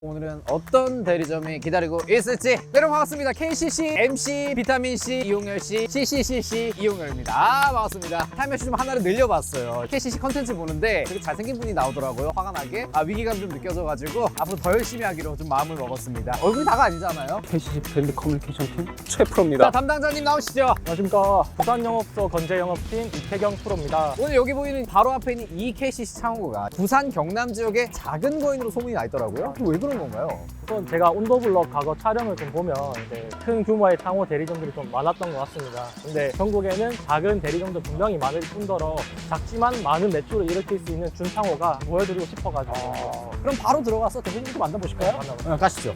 오늘은 어떤 대리점이 기다리고 있을지. 여러분 반갑습니다. KCC MC 비타민C 이용열씨 CCCC 이용열입니다. 반갑습니다. 타임머신 좀 하나를 늘려봤어요. KCC 컨텐츠 보는데 되게 잘생긴 분이 나오더라고요. 화가 나게 위기감 좀 느껴져가지고 앞으로 더 열심히 하기로 좀 마음을 먹었습니다. 얼굴이 다가 아니잖아요. KCC 브랜드 커뮤니케이션 팀 최 자, 프로입니다. 담당자님 나오시죠. 안녕하십니까. 부산영업소 건재영업팀 이태경 프로입니다. 오늘 여기 보이는 바로 앞에 있는 이 KCC 창고가 부산 경남 지역의 작은 거인으로 소문이 나 있더라고요. 왜 그런 건가요? 우선 제가 온더블럭 과거 촬영을 좀 보면 이제 큰 규모의 창호 대리점들이 좀 많았던 것 같습니다. 근데 전국에는 작은 대리점도 분명히 많을 뿐더러 작지만 많은 매출을 일으킬 수 있는 준창호가 보여드리고 싶어가지고 그럼 바로 들어가서 대표님도 만나보실까요? 만나보죠. 가시죠.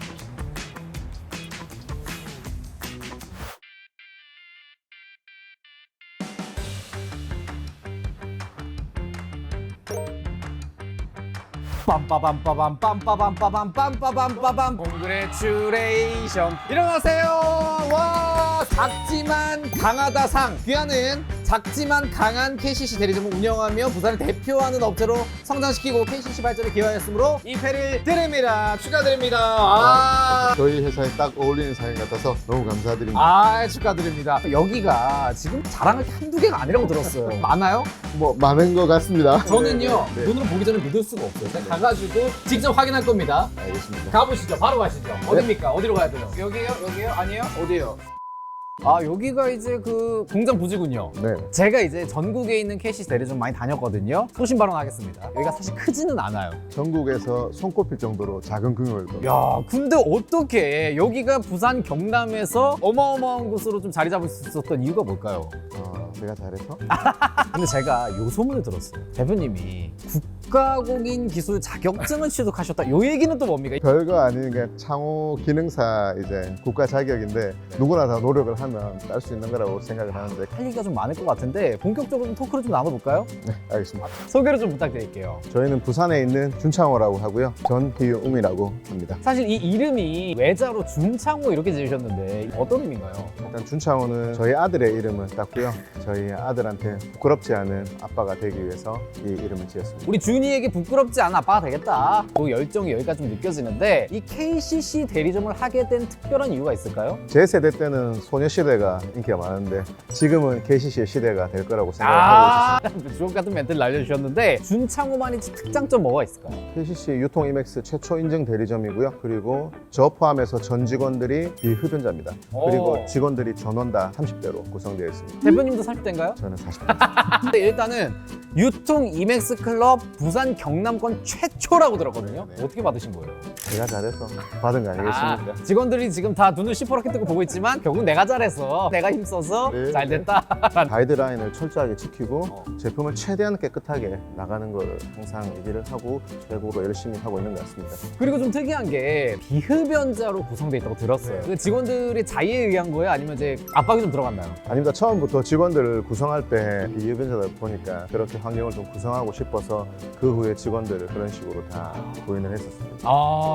빰빠밤빠밤 빰빠밤빠밤 빰빠밤빠밤 공그레츄레이션. 일어나세요. 와, 작지만 강하다 상. 귀하는 작지만 강한 KCC 대리점을 운영하며 부산을 대표하는 업체로 성장시키고 KCC 발전에 기여하였으므로 이 패를 드립니다. 축하드립니다. 저희 회사에 딱 어울리는 사연 같아서 너무 감사드립니다. 축하드립니다. 여기가 지금 자랑할 게 한두 개가 아니라고 들었어요. 많아요? 뭐 많은 것 같습니다. 저는요, 네, 네. 눈으로 보기 전에 믿을 수가 없어요. 제가 가가지고 직접 확인할 겁니다. 알겠습니다. 가보시죠. 바로 가시죠. 어딥니까? 어디로 가야 돼요? 여기요? 여기요? 아니에요? 어디요? 여기가 이제 그 공장 부지군요. 네. 제가 이제 전국에 있는 KCC 대리점 많이 다녔거든요. 소신 발언하겠습니다. 여기가 사실 크지는 않아요. 전국에서 손꼽힐 정도로 작은 규모일 겁니다. 야, 근데 어떻게 여기가 부산 경남에서 어마어마한 곳으로 좀 자리 잡을 수 있었던 이유가 뭘까요? 제가 잘해서? 근데 제가 요 소문을 들었어요. 대표님이 국가공인 기술 자격증을 취득하셨다. 요 얘기는 또 뭡니까? 별거 아닌 게 창호 기능사 이제 국가 자격인데 누구나 다 노력을 하면 딸 수 있는 거라고 생각을 하는데. 할 얘기가 좀 많을 것 같은데 본격적으로 좀 토크를 좀 나눠볼까요? 네, 알겠습니다. 소개를 좀 부탁드릴게요. 저희는 부산에 있는 준창호라고 하고요. 전희웅이라고 합니다. 사실 이 이름이 외자로 준창호 이렇게 지으셨는데 어떤 의미인가요? 일단 준창호는 저희 아들의 이름을 땄고요. 저희 아들한테 부끄럽지 않은 아빠가 되기 위해서 이 이름을 지었습니다. 우리 준이에게 부끄럽지 않은 아빠가 되겠다. 그 열정이 여기까지 좀 느껴지는데 이 KCC 대리점을 하게 된 특별한 이유가 있을까요? 제 세대 때는 소녀시대가 인기가 많은데 지금은 KCC의 시대가 될 거라고 생각하고 있습니다. 주옥 같은 멘트를 날려주셨는데 준창호만의 특장점 뭐가 있을까요? KCC 유통 이맥스 최초 인증 대리점이고요. 그리고 저 포함해서 전 직원들이 비흡연자입니다. 그리고 직원들이 전원 다 30대로 구성되어 있습니다. 대표님도 30대인가요? 저는 40대. 근데 일단은 유통 이맥스 클럽 부산 경남권 최초라고 들었거든요. 네. 어떻게 받으신 거예요? 제가 잘해서 받은 거 아니겠습니까? 직원들이 지금 다 눈을 시퍼렇게 뜨고 보고 있지만 결국 내가 잘해서 내가 힘써서 네. 잘 됐다. 가이드라인을 철저하게 지키고 제품을 최대한 깨끗하게 나가는 걸 항상 얘기를 하고 최고로 열심히 하고 있는 것 같습니다. 그리고 좀 특이한 게 비흡연자로 구성돼 있다고 들었어요. 그 직원들의 자의에 의한 거예요? 아니면 이제 압박이 좀 들어갔나요? 아닙니다. 처음부터 직원들을 구성할 때 비흡연자다 보니까 그렇게 환경을 좀 구성하고 싶어서 그 후에 직원들을 그런 식으로 다 구인을 했었습니다.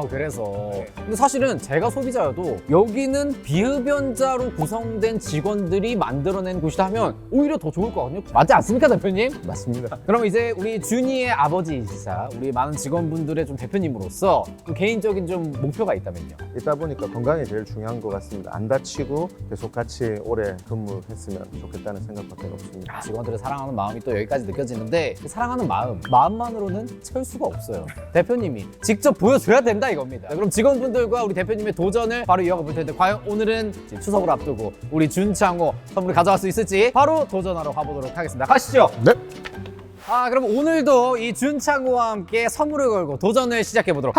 그래서 근데 사실은 제가 소비자여도 여기는 비흡연자로 구성된 직원들이 만들어낸 곳이다 하면 오히려 더 좋을 것 같거든요. 맞지 않습니까, 대표님? 맞습니다. 그럼 이제 우리 준이의 아버지이시자 우리 많은 직원분들의 좀 대표님으로서 좀 개인적인 좀 목표가 있다면요? 있다 보니까 건강이 제일 중요한 것 같습니다. 안 다치고 계속 같이 오래 근무했으면 좋겠다는 생각밖에 없습니다. 직원들을 사랑하는 마음이 또 여기까지 느껴지는데 그 사랑하는 마음만으로는 채울 수가 없어요. 대표님이 직접 보여줘야 된다 이겁니다. 자, 그럼 직원분들과 우리 대표님의 도전을 바로 이어가 볼 텐데 과연 오늘은 이제 추석을 앞두고 우리 준창호 선물을 가져갈 수 있을지 바로 도전하러 가보도록 하겠습니다. 가시죠. 네. 그럼 오늘도 이 준창호와 함께 선물을 걸고 도전을 시작해 보도록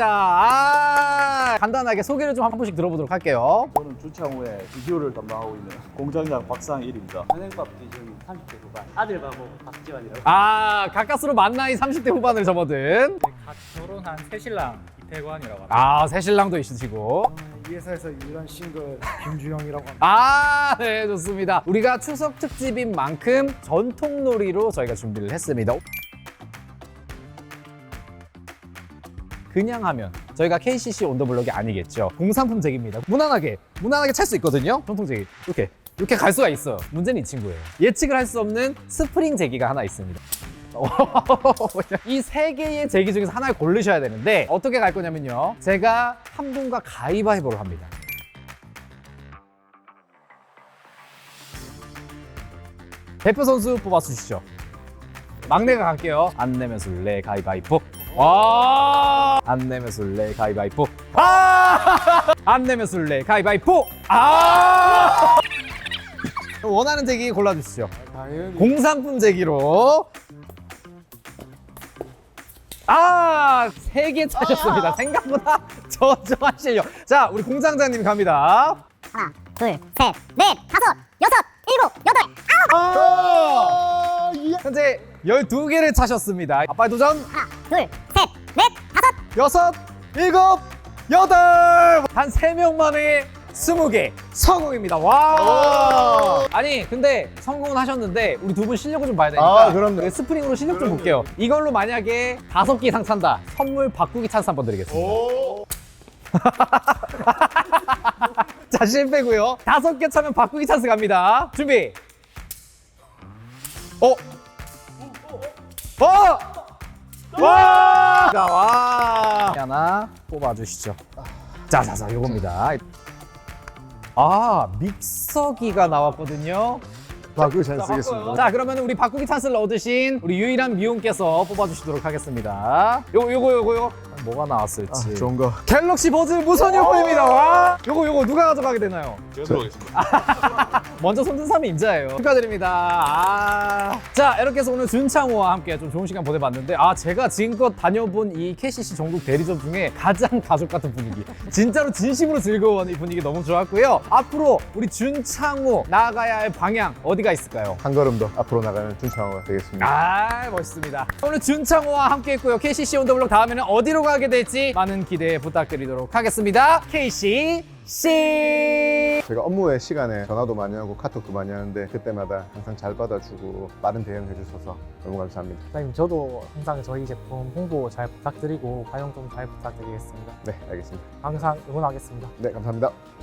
하겠습니다. 간단하게 소개를 좀 한 번씩 들어보도록 할게요. 저는 준창호의 비디오를 담당하고 있는 공장장 박상일입니다. 현행밥 기준 30대 후반 아들 바보 박지환이라고. 가까스로 만 나이 30대 후반을 접어든 갓 결혼한 새신랑 이태관이라고 합니다. 새신랑도 있으시고 이 회사에서 유일한 싱글 김주영이라고 합니다. 네, 좋습니다. 우리가 추석 특집인 만큼 전통놀이로 저희가 준비를 했습니다. 그냥 하면 저희가 KCC 온더블럭이 아니겠죠. 공산품 제기입니다. 무난하게 찰 수 있거든요. 전통 제기 이렇게 갈 수가 있어요. 문제는 이 친구예요. 예측을 할 수 없는 스프링 제기가 하나 있습니다. 이 세 개의 제기 중에서 하나를 고르셔야 되는데 어떻게 갈 거냐면요. 제가 한 분과 가위바위보를 합니다. 대표 선수 뽑아주시죠. 막내가 갈게요. 안 내면 술래 가위바위보. 와! 안 내면 술래 가위바위보. 아! 안 내면 술래 가위바위보. 아! 원하는 제기 골라주시죠. 공산품 제기로. 아! 3개 차셨습니다. 생각보다 저조한 실력. 자, 우리 공장장님 갑니다. 하나, 둘, 셋, 넷, 다섯, 여섯, 일곱, 여덟, 아! 현재 12개를 차셨습니다. 아빠의 도전. 하나, 둘, 셋, 넷, 다섯. 6, 7, 8! 한 3명 만에 20개 성공입니다. 와! 아니, 근데 성공은 하셨는데 우리 두 분 실력을 좀 봐야 되니까. 아, 그럼요. 스프링으로 실력 좀 볼게요. 이걸로 만약에 5개 이상 찬다. 선물 바꾸기 찬스 한번 드리겠습니다. 자, 실패고요. 5개 차면 바꾸기 찬스 갑니다. 준비. 와! 자, 와! 하나 뽑아주시죠. 자, 요겁니다. 아, 믹서기가 나왔거든요. 바꾸기 잘 쓰겠습니다. 자, 그러면 우리 바꾸기 찬스를 얻으신 우리 유일한 미용께서 뽑아주시도록 하겠습니다. 요거. 뭐가 나왔을지. 좋은 거. 갤럭시 버즈 무선 이어폰입니다. 와! 요거 누가 가져가게 되나요? 제가 들어가겠습니다. 먼저 손든 사람이 임자예요. 축하드립니다. 자, 이렇게 해서 오늘 준창호와 함께 좀 좋은 시간 보내봤는데, 제가 지금껏 다녀본 이 KCC 전국 대리점 중에 가장 가족 같은 분위기. 진짜로 진심으로 즐거운 이 분위기 너무 좋았고요. 앞으로 우리 준창호 나아가야 할 방향 어디가 있을까요? 한 걸음 더 앞으로 나가는 준창호가 되겠습니다. 멋있습니다. 오늘 준창호와 함께 했고요. KCC 온더블록 다음에는 어디로 가게 될지 많은 기대 부탁드리도록 하겠습니다. KCC! 제가 업무 외 시간에 전화도 많이 하고 카톡도 많이 하는데 그때마다 항상 잘 받아주고 빠른 대응해 주셔서 너무 감사합니다. 사장님, 저도 항상 저희 제품 홍보 잘 부탁드리고 활용 좀 잘 부탁드리겠습니다. 네, 알겠습니다. 항상 응원하겠습니다. 네, 감사합니다.